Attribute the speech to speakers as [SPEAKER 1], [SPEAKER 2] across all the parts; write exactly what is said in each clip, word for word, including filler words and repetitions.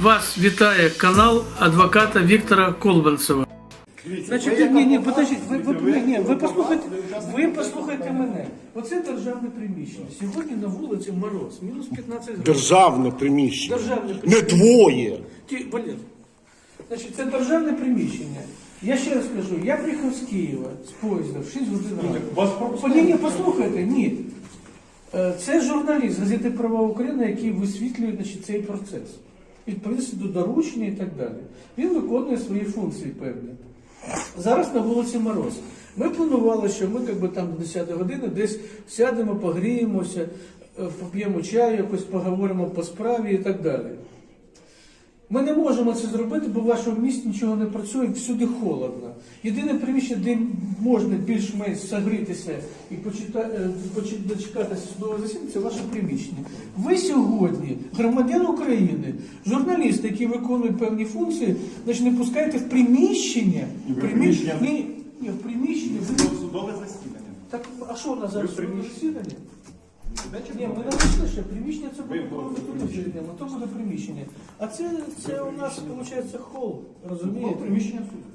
[SPEAKER 1] Вас вітає канал адвоката Віктора Колбанцева. Значить, ні, ні, подождіть, ви, ви, ні, ви послухайте, ви послухайте мене. Оце державне приміщення. Сьогодні на вулиці мороз, мінус п'ятнадцять градусів.
[SPEAKER 2] Державне приміщення.
[SPEAKER 1] Державне
[SPEAKER 2] Не
[SPEAKER 1] приміщення.
[SPEAKER 2] твоє.
[SPEAKER 1] Ті, блін. Значить, це державне приміщення. Я ще раз кажу, я приїхав з Києва, з поїзда, в шість годин ранку. Ні, ні, послухайте, ні. Е, Це журналіст газети «Права України», який висвітлює, значить, цей процес. Відповідності до доручення і так далі. Він виконує свої функції певні. Зараз на вулиці мороз. Ми планували, що ми якби, там до десятої години десь сядемо, погріємося, поп'ємо чаю, якось поговоримо по справі і так далі. Ми не можемо це зробити, бо в вашому місті нічого не працює, всюди холодно. Єдине приміщення, де можна більш-менш согрітися і дочекатися судового засідання, це ваше приміщення. Ви сьогодні, громадян України, журналісти, які виконують певні функції, значить, не пускаєте в приміщення.
[SPEAKER 3] В приміщення?
[SPEAKER 1] Ні, ні, в приміщення.
[SPEAKER 3] Судове засідання.
[SPEAKER 1] Так, а що у нас зараз судове засідання? Ні, ми не
[SPEAKER 3] Ні,
[SPEAKER 1] вийшли ще. Приміщення це буде тут, то буде приміщення. А це, це у нас, виходить, хол, розумієте?
[SPEAKER 3] приміщення суду.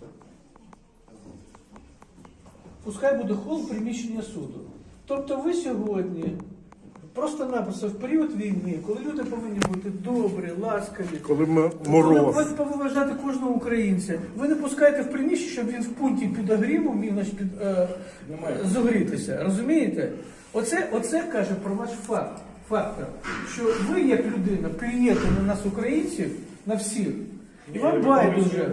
[SPEAKER 1] Пускай буде хол приміщення суду. Тобто ви сьогодні, просто-напросто в період війни, коли люди повинні бути добрі, ласкаві,
[SPEAKER 2] Коли ми
[SPEAKER 1] коли
[SPEAKER 2] мороз.
[SPEAKER 1] ви поважати кожного українця, ви не пускаєте в приміщення, щоб він в пункті підогріву міг значить, під, е, зогрітися. Розумієте? Оце, оце каже про ваш факт, фактор, що ви, як людина, плюєте на нас, українців, на всіх, і вам байдуже.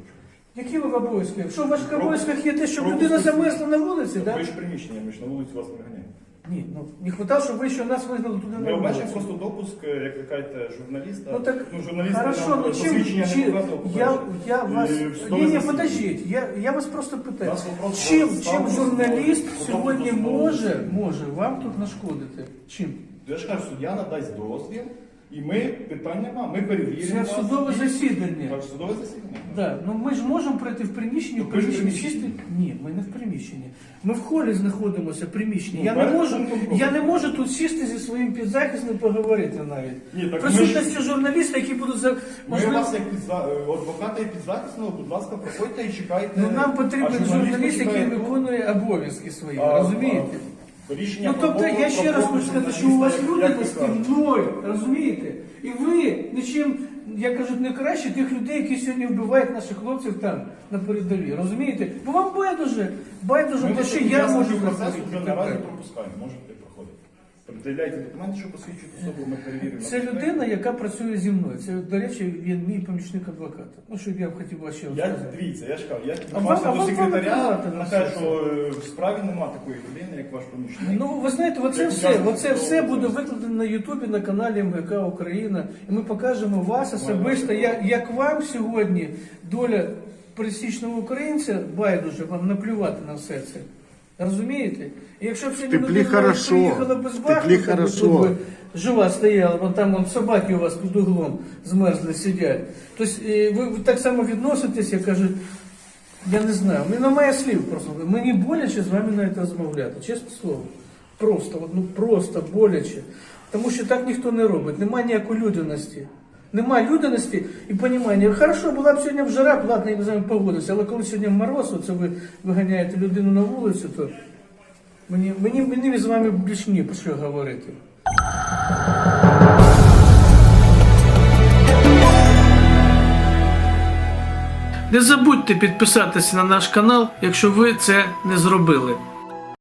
[SPEAKER 1] Які ви в обов'язках? Що в ваших обов'язках є те, щоб людина замерзла на вулиці, так?
[SPEAKER 3] Ви ж приміщення, ми ж на вулиці вас не ганяємо.
[SPEAKER 1] Ні, ну не хватало, щоб ви ще нас вигнали туди
[SPEAKER 3] Ми
[SPEAKER 1] на
[SPEAKER 3] обмежуємо
[SPEAKER 1] вулицю.
[SPEAKER 3] просто допуск, як ви кажете, журналіста.
[SPEAKER 1] Ну так,
[SPEAKER 3] ну, журналісти
[SPEAKER 1] хорошо,
[SPEAKER 3] нам
[SPEAKER 1] ну чим,
[SPEAKER 3] посвідчення
[SPEAKER 1] чим,
[SPEAKER 3] не показував,
[SPEAKER 1] я,
[SPEAKER 3] по-перше.
[SPEAKER 1] я вас,
[SPEAKER 3] І в
[SPEAKER 1] ні,
[SPEAKER 3] судове
[SPEAKER 1] ні,
[SPEAKER 3] засідання.
[SPEAKER 1] подождіть, я, я вас просто питаю,
[SPEAKER 3] Нас вопрос
[SPEAKER 1] чим,
[SPEAKER 3] про
[SPEAKER 1] чим
[SPEAKER 3] статус
[SPEAKER 1] журналіст
[SPEAKER 3] судового
[SPEAKER 1] сьогодні
[SPEAKER 3] судового
[SPEAKER 1] може,
[SPEAKER 3] засідання.
[SPEAKER 1] може вам тут нашкодити? Чим?
[SPEAKER 3] Я ж кажу, суддя надасть дозвіл, і ми, питань нема, ми перевіримо.
[SPEAKER 1] Це
[SPEAKER 3] вас.
[SPEAKER 1] судове засідання.
[SPEAKER 3] Так, судове засідання.
[SPEAKER 1] Да, ну ми ж можемо прийти в приміщення, в
[SPEAKER 3] Ну, ви ж
[SPEAKER 1] приміщенні
[SPEAKER 3] приміщення.
[SPEAKER 1] чисте. Ні, ми не в приміщенні. Ми в холі знаходимося, приміщенні.
[SPEAKER 3] Ну,
[SPEAKER 1] Я не
[SPEAKER 3] перед
[SPEAKER 1] можу,
[SPEAKER 3] пунктом пропуску.
[SPEAKER 1] я не можу тут сісти зі своїм підзахисним поговорити навіть.
[SPEAKER 3] Ні, так ми
[SPEAKER 1] Присутності журналіста, які будуть за
[SPEAKER 3] Ми
[SPEAKER 1] можливо.
[SPEAKER 3] вас як підза... адвоката і підзахисного, будь ласка, проходьте і чекайте.
[SPEAKER 1] Ну нам потрібен
[SPEAKER 3] А
[SPEAKER 1] журналіст, який
[SPEAKER 3] почекає тут.
[SPEAKER 1] виконує обов'язки свої.
[SPEAKER 3] А,
[SPEAKER 1] розумієте?
[SPEAKER 3] а, рішення
[SPEAKER 1] Ну тобто
[SPEAKER 3] про
[SPEAKER 1] я ще раз хочу сказати, що у вас люди
[SPEAKER 3] як ви
[SPEAKER 1] з
[SPEAKER 3] кажете.
[SPEAKER 1] мною, розумієте? І ви нічим, я кажу, не краще тих людей, які сьогодні вбивають наших хлопців там на передовій. Розумієте? Бо вам байдуже, байдуже,
[SPEAKER 3] Ми
[SPEAKER 1] те,
[SPEAKER 3] вас
[SPEAKER 1] що
[SPEAKER 3] під
[SPEAKER 1] я
[SPEAKER 3] час
[SPEAKER 1] можу
[SPEAKER 3] процесу
[SPEAKER 1] зробити.
[SPEAKER 3] вже наразі пропускаємо, можете проходити. Пред'являйте документи, що посвідчують особу, ми перевіримо.
[SPEAKER 1] Це людина, яка працює зі мною. Це, до речі, він мій помічник адвоката. Ну, щоб я б хотів вас ще
[SPEAKER 3] Я,
[SPEAKER 1] розказати.
[SPEAKER 3] дивіться, я ж кажу, я
[SPEAKER 1] А вам- а
[SPEAKER 3] піднімався
[SPEAKER 1] вам
[SPEAKER 3] до секретаря,
[SPEAKER 1] показати на
[SPEAKER 3] на
[SPEAKER 1] все
[SPEAKER 3] те,
[SPEAKER 1] це?
[SPEAKER 3] що е, в справі нема такої людини, як ваш помічник.
[SPEAKER 1] Ну, ви знаєте, оце
[SPEAKER 3] Як
[SPEAKER 1] все,
[SPEAKER 3] учасник
[SPEAKER 1] оце все
[SPEAKER 3] судового
[SPEAKER 1] буде
[SPEAKER 3] процесу.
[SPEAKER 1] викладено на Ютубі, на каналі Ем Ге Ка Україна. І ми покажемо вас особисто, як, як вам сьогодні доля пересічного українця байдуже, вам наплювати на все це. Розумієте? І якщо б сьогодні
[SPEAKER 2] Теплі
[SPEAKER 1] людина
[SPEAKER 2] хорошо,
[SPEAKER 1] приїхала без
[SPEAKER 2] теплі
[SPEAKER 1] бахнута,
[SPEAKER 2] хорошо.
[SPEAKER 1] тут би жива стояла, вон там вон собаки у вас під углом змерзли, сидять. Тобто е, ви, ви так само відноситесь, я кажу, я не знаю, у мене немає слів просто. Мені боляче з вами навіть розмовляти, чесне слово. Просто, от, ну просто боляче. Тому що так ніхто не робить, немає ніякої людяності. Немає людяності і розуміння. Хорошо, була б сьогодні в жара, ладно, я б з вами погодився, але коли сьогодні мороз, оце ви виганяєте людину на вулицю, то мені, мені, мені з вами більш ні про що говорити. Не забудьте підписатися на наш канал, якщо ви це не зробили.